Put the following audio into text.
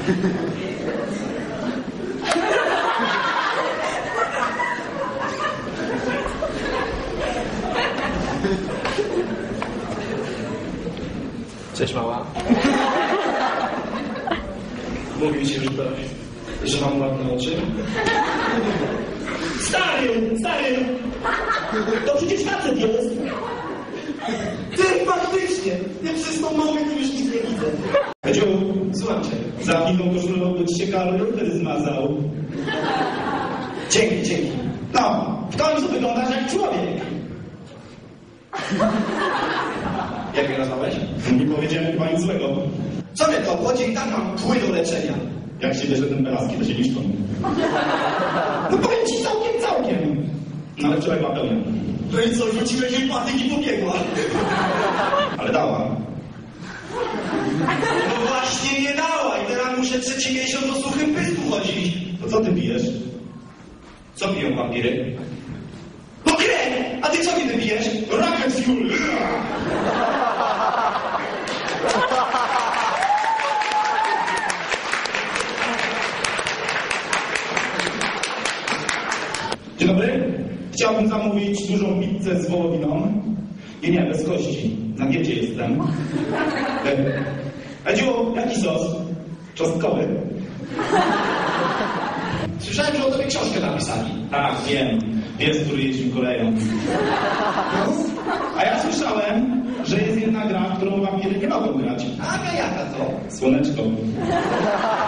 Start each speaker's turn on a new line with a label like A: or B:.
A: Cześć, mała. Mówił ci, że mam ładne oczy?
B: Stary! To przecież facet jest. Ty, faktycznie! Ja przez tą nogę to już nic nie widzę.
A: Edziu, słucham cię. Za inną koszulą by ci się kaloryfer zmazał.
B: Dzięki. No, w końcu wyglądasz jak człowiek.
A: Jak mnie nazwałeś? Nie powiedziałem chyba nic złego.
B: Co mnie to obchodzi? I tak mam kły do leczenia.
A: Jak się bierze ten pelaski, to się niszczą.
B: No powiem ci całkiem.
A: No ale wczoraj była pełnia.
B: No i co, rzuciłeś jej patyk i pobiegła.
A: Ale dała.
B: No właśnie nie dała i teraz muszę 3 miesiąc o suchym pysku chodzić.
A: To co ty pijesz?
B: Co piją wampiry? No krew! A ty co mi wypijesz?
A: Rocket fuel! Dzień dobry. Chciałbym zamówić dużą pizzę z wołowiną. Nie, bez kości. Na diecie jestem. Edziu, jaki sos? Czosnkowy?
B: Słyszałem, że o tobie książkę napisali.
A: Tak, wiem. Pies, który jeździł koleją. A ja słyszałem, że jest jedna gra, w którą wampiry nie mogą grać.
B: A jaka to?
A: Słoneczko.